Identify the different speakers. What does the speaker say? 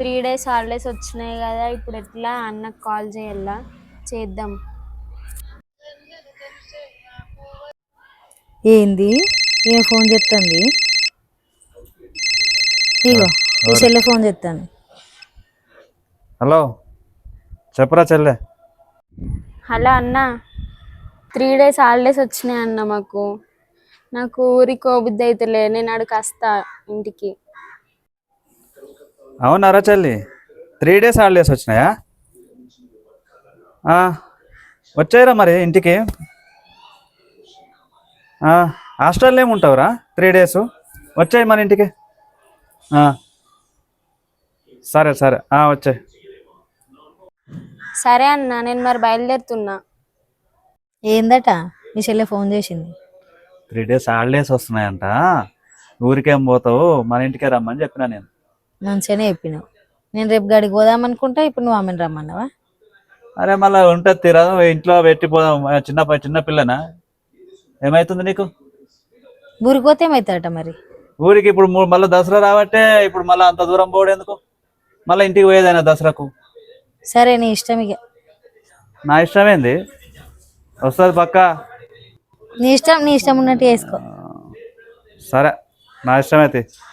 Speaker 1: 3 days holidays వచ్చినాయి కదా, ఇప్పుడు ఎట్లా అన్నకు కాల్ చేయాలా? చేద్దాం.
Speaker 2: ఏంది ఈయన ఫోన్ చేస్తుంది? ఇగో ఈ చెల్లె ఫోన్ చేస్తాను.
Speaker 3: హలో, చెప్పరా చెల్లె.
Speaker 1: హలో అన్న, 3 డేస్ హాలిడేస్ వచ్చినాయి అన్న మాకు. నాకు ఊరికి పోబుద్ది అయితేలే, నేను అక్కడికి వస్తా ఇంటికి.
Speaker 3: అవునారా చెల్లి, 3 డేస్ హాలిడేస్ వచ్చినాయా? వచ్చాయిరా మరి ఇంటికి. హాస్టల్లో ఏముంటావురా 3 డేస్? వచ్చాయి మన ఇంటికి. సరే సరే, వచ్చాయి.
Speaker 1: సరే అన్న, నేను మరి బయలుదేరుతున్నా.
Speaker 2: ఏందట మీ చెల్లె ఫోన్ చేసింది?
Speaker 3: 3 డేస్ హాలిడేస్ వస్తున్నాయంట, ఊరికేం పోతావు, మన ఇంటికే రమ్మని చెప్పినా నేను.
Speaker 2: మంచిగానే చెప్పినావు. నేను రేపు గడికి పోదామనుకుంటా, ఇప్పుడు నువ్వు ఆమెను రమ్మన్నావా?
Speaker 3: అరే మళ్ళీ ఉంటుంది తీరా, ఇంట్లో పెట్టిపోదాం. చిన్న పిల్లనా, ఏమవుతుంది నీకు?
Speaker 2: ఊరికి పోతే ఏమవుతాడట మరి?
Speaker 3: ఊరికి ఇప్పుడు మళ్ళీ దసరా రాబట్టే, ఇప్పుడు మళ్ళీ అంత దూరం పోవడేందుకు? మళ్ళీ ఇంటికి పోయేదైనా దసరాకు.
Speaker 2: సరే నీ ఇష్టం ఇక.
Speaker 3: నా ఇష్టమేంది, వస్తుంది పక్క.
Speaker 2: నీ ఇష్టం ఉన్నట్టు చేసుకో.
Speaker 3: సరే, నా ఇష్టమైతే.